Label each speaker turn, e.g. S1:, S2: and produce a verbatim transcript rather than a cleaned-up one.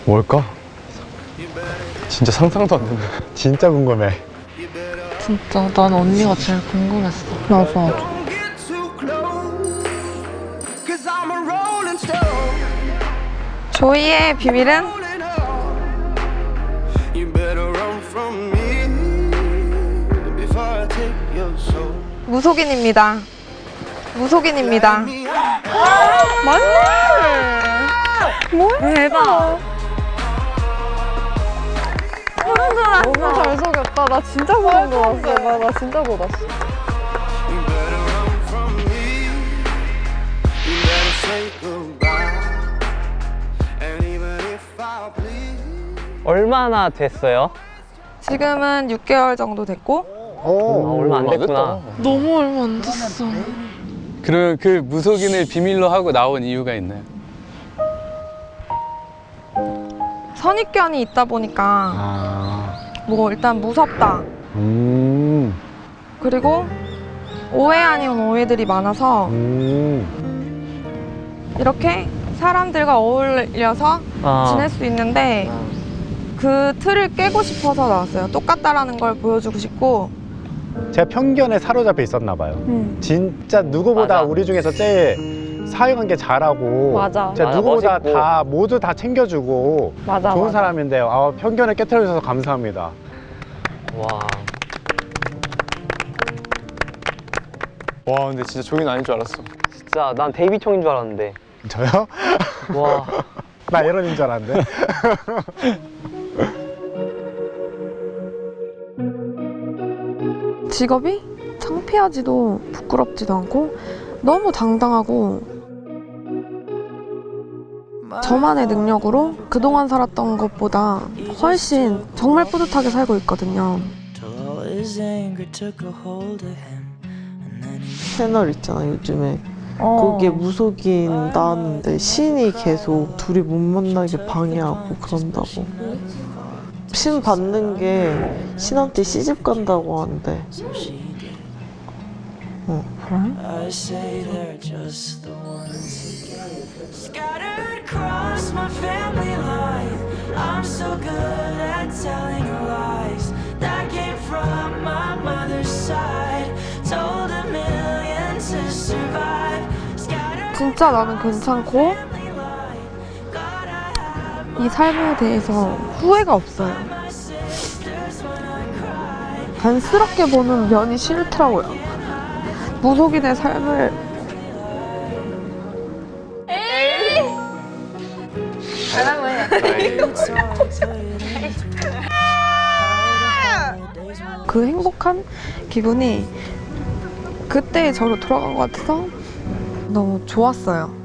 S1: 뭘까? 진짜 상상도 안 된다.
S2: 진짜 궁금해.
S3: 진짜 난 언니가 제일 궁금했어. 나도 나도.
S4: 조이의 비밀은 무속인입니다. 무속인입니다. 맞네. 뭐야? 대박. 소름 돋았어.
S3: 너무 잘 속였다. 나 진짜 소름 돋았어. 나, 나 진짜 돋았어.
S5: 얼마나 됐어요?
S4: 지금은 육 개월 정도 됐고
S2: 오,
S5: 아, 얼마 안 됐구나.
S3: 너무 얼마 안 됐어.
S1: 그러면 그 무속인을 비밀로 하고 나온 이유가 있나요?
S4: 선입견이 있다 보니까
S2: 아,
S4: 뭐 일단 무섭다.
S2: 음,
S4: 그리고 오해 아닌 오해들이 많아서
S2: 음.
S4: 이렇게 사람들과 어울려서
S5: 아,
S4: 지낼 수 있는데 그 틀을 깨고 싶어서 나왔어요. 똑같다라는 걸 보여주고 싶고.
S2: 제가 편견에 사로잡혀 있었나 봐요.
S4: 음.
S2: 진짜 누구보다
S5: 맞아.
S2: 우리 중에서 제일 사회관계 잘하고
S3: 맞아.
S2: 진짜
S5: 맞아,
S2: 누구보다
S5: 멋있고.
S2: 다 모두 다 챙겨주고
S3: 맞아.
S2: 좋은
S3: 맞아.
S2: 사람인데요. 아, 편견을 깨트려 주셔서 감사합니다.
S5: 와.
S1: 와 근데 진짜 종인 아닌 줄 알았어.
S5: 진짜 난 데이비총인 줄 알았는데.
S2: 저요?
S5: 와.
S2: 나 이런인 줄 알았는데.
S4: 직업이 창피하지도 부끄럽지도 않고 너무 당당하고 저만의 능력으로 그동안 살았던 것보다 훨씬 정말 뿌듯하게 살고 있거든요.
S6: 채널 있잖아 요즘에
S3: 어.
S6: 거기에 무속인 나왔는데 신이 계속 둘이 못 만나게 방해하고 그런다고. 신 받는 게 신한테 시집 간다고 하는데. 어.
S7: I say they're just the ones who get scattered across my family line. I'm so good at telling lies that came from my mother's side. Told a million to survive. Scattered
S4: 진짜 나는 괜찮고
S7: family line. Gotta have
S4: 이 삶에 대해서 후회가 없어요.
S7: my sisters when I cry.
S4: 안쓰럽게 보는 면이 싫더라고요. 무속인의 삶을 그 행복한 기분이 그때의 저로 돌아간 것 같아서 너무 좋았어요.